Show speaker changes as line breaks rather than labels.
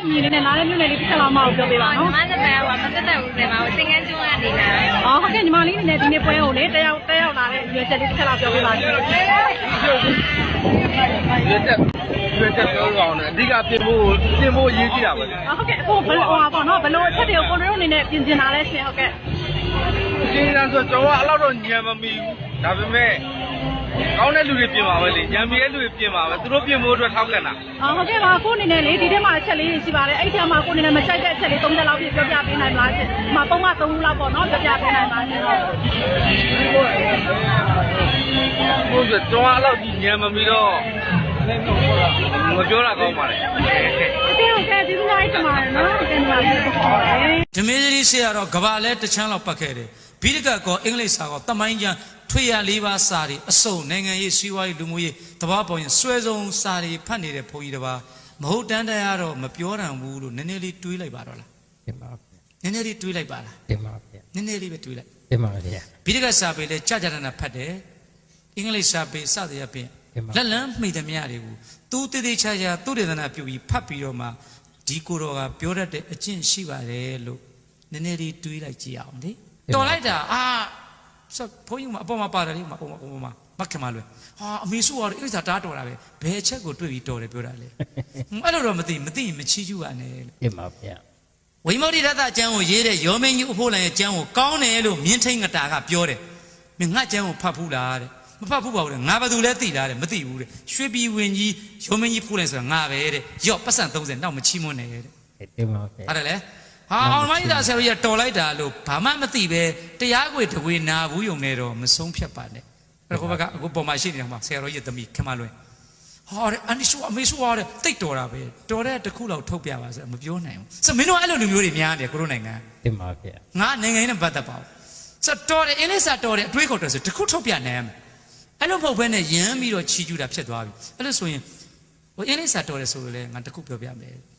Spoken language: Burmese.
မြင်နေတဲ့နားလေးမျိုးနဲ့လေးတစ်ချက်လောက်မအောင်ပြောပေးပါနော်
ညီမစပယ်ကမသက်သက်ဦးစင်ပါဘူးသင်္ကန်းကျွန်းကနေလာ
ဟုတ်ကဲ့ညီမလေးနဲ့ဒီနေ့ပွဲကိုလေတက်ရောက်လာတဲ့ရွေးချက်လေးတစ်ချက်လောက်ပြောပေးပါရှင်
ရွေးချက်ပြောရအောင်လေအဓိကပြင်ဖို့ရေးကြည့်တာပဲ
ဟုတ်ကဲ့အခုဘယ်လိုပေါ့နော်ဘယ်လိုအချက်တွေကိုကိုရိုအနေနဲ့ပြင်လာလဲရှင်ဟုတ်ကဲ့
ရှင်းရဆိုကျွန်တော်အဲ့လောက်တော့ညံမမီဘူးဒါပေမဲ့ကောင်းတဲ့လူတွေပြင်ပါပဲလေညံမီတဲ့လူတွေပြင်ပါပဲသူတို့ပြင်ဖို့အတွက်ထောက်ကန်တာ
ဟုတ်ကဲ့ပါကိုအနေနဲ့လေဒီထဲမှာအချက်လေးရှိပါတယ်အဲ့ထဲမှာကိုအနေနဲ့မချိုက်တဲ့အချက်လေး3ချက်လောက်ပြပြောပြပေးနိုင်မလားရှင်ဒီမှာပုံမှန်3ခုလောက်ပေါ့နော်ပြောပြပေးနိုင်ပါရှင်
ဟုတ်ကဲ့ကျွန်တော်အဲ့လောက်ညံမမီတော့မပြောတာကောင်းပါလေ
ဟုတ်ကဲ့ဒီလိုလိုက်မှာနော်တင်ပါပြီ
ဓမေသရီဆရာတော့ကဘာလဲတချမ်းလောက်ပတ်ခဲ့တယ်ဘိဒကကောအင်္ဂလိပ်စာကောတမိုင်းကျမ်းထွေရ၄ပါးစာတွေအစုံနိုင်ငံရေးစီးပွားရေးလူမှုရေးတဘာပေါ်ရင်ဆွဲဆုံးစာတွေဖတ်နေတဲ့ဘုန်းကြီးတစ်ပါးမဟုတ်တန်းတရားတော့မပြောတန်ဘူးလို့နည်းနည်းလေးတွေးလိုက်ပါတော့လား
တင်ပါဗျာ
နည်းနည်းလေးတွေးလိုက်ပါလား
တင်ပါဗျာ
နည်းနည်းလေးပဲတွေးလိုက်
တင်ပါဗျာ
ဘိဒကစာပေလဲကြာကြာနာဖတ်တယ်အင်္ဂလိပ်စာပေစသည်အပြင်လက်လန်းမှိသမျှတွေကိုသူတည်တည်ချာချာသူ့ဒေသနာပြုပြီးဖတ်ပြီးတော့မှဒီကိုတော်ကပြောတတ်တဲ့အကျင့်ရှိပါတယ်လို့နည်းနည်းလေးတွေးလိုက်ကြည့်အောင်လေတော်လိုက်တာဆက်ဘုန်းကြီးမအပေါ်မှာပါတယ်လေမခင်မလွယ်အမေစုကတော့အိစာတားတော်တာပဲဘယ်ချက်ကိုတွေ့ပြီးတော်တယ်ပြောတာလေအဲ့လိုတော့မသိရင်မချီးကျူးပါနဲ့လို့
တင်ပါဗျာ
ဝိမုဒ္ဓိရတကျမ်းကိုရေးတဲ့ယောမင်းကြီးအဖို့လန်ရဲ့ကျမ်းကိုကောင်းတယ်လို့မြင်းထိန်ငတာကပြောတယ်မင်းငါကျမ်းကိုဖတ်ဘူးလားတဲ့မဖတ်ဘူးပါဘူးငါဘာသူလဲသိလားတဲ့မသိဘူးတဲ့ရွှေပြည်ဝင်ကြီးယောမင်းကြီးဖို့လန်ဆိုတာငါပဲတဲ့ရော့ပတ်စံ30နောက်မချီးမွန်းနဲ့တဲ့
တင်ပါဗျာ
အဲ့ဒါလေအောင်မိုင်းသားဆရာကြီးတော်လိုက်တာလို့ဘာမှမသိပဲတရားခွေတဝေနာဘူးယုံနေတော့မဆုံးဖြတ်ပါနဲ့အဲ့ဒါဘက်ကအခုပေါ်မှာရှိနေတာမှာဆရာတော်ကြီးသမီးခင်မလွင်အနိစုအမေစုတဲ့တိတ်တော်တာပဲတော်တဲ့တစ်ခုလောက်ထုတ်ပြပါဆိုမပြောနိုင်ဘူးဆိုမင်းတို့အဲ့လိုလူမျိုးတွေများတယ်ကိုရိုနိုင်ငံ
တင်ပါဗျာ
ငါနိုင်ငံရေးနဲ့ပတ်သက်ပါဘူးဆိုတော်တယ်အင်းလေးစာတော်တယ်အတွေးခေါ်တယ်ဆိုတစ်ခုထုတ်ပြနိုင်မယ်အဲ့လိုမဟုတ်ဘဲနဲ့ရမ်းပြီးတော့ချီးကျူးတာဖြစ်သွားပြီအဲ့လိုဆိုရင်အင်းလေးစာတော်တယ်ဆိုလို့လေငါတစ်ခုပြောပြမယ်